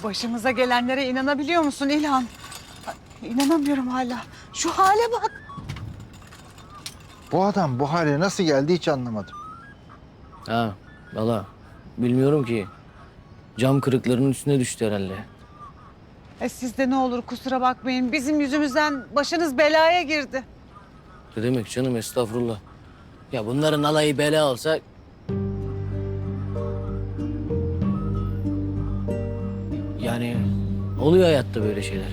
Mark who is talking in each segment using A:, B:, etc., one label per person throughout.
A: Başımıza gelenlere inanabiliyor musun İlhan? Ay, İnanamıyorum hala. Şu hale bak.
B: Bu adam bu hale nasıl geldi hiç anlamadım.
C: Ha, valla bilmiyorum ki. Cam kırıklarının üstüne düştü herhalde.
A: Siz de ne olur kusura bakmayın. Bizim yüzümüzden başınız belaya girdi.
C: Ne demek canım, estağfurullah. Ya bunların alayı bela olsa... Yani oluyor hayatta böyle şeyler.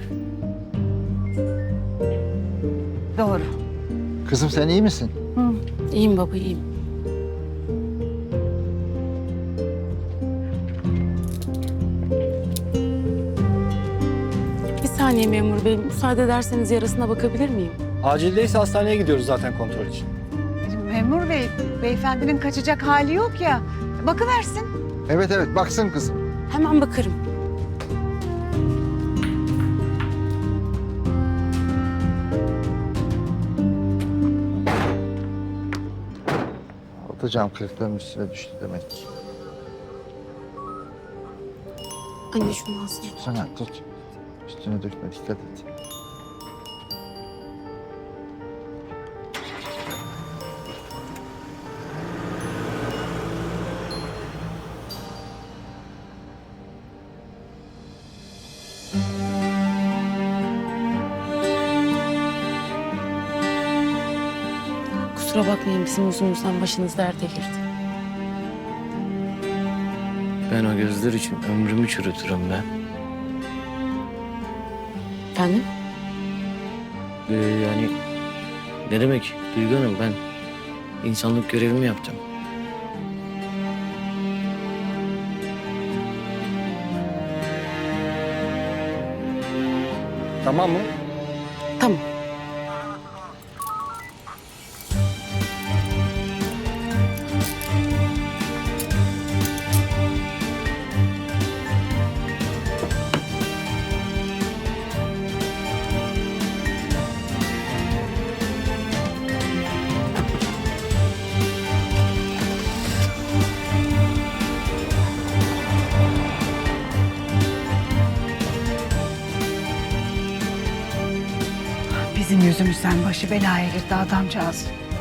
A: Doğru.
B: Kızım sen iyi misin?
D: İyiyim baba, iyiyim. Bir saniye memur bey, müsaade ederseniz yarasına bakabilir miyim?
E: Acildeyse hastaneye gidiyoruz zaten kontrol için.
A: Memur bey, beyefendinin kaçacak hali yok ya. Bakıversin.
B: Evet evet baksın kızım.
D: Hemen bakarım.
B: Altı cam kırıkların üstüne düştü demek ki.
D: Anne şunu alsana.
B: Sana tut. Üstüne dökme dikkat et.
D: Kusura bakmayın, bizim yüzümüzden başınız derde girdi.
C: Ben o gözler için ömrümü çürütürüm ben.
D: Efendim?
C: Yani ne demek Duygu Hanım, ben insanlık görevimi yaptım.
E: Tamam mı?
D: Tamam.
A: Bizim yüzümüzden başı belaya girdi adamcağız.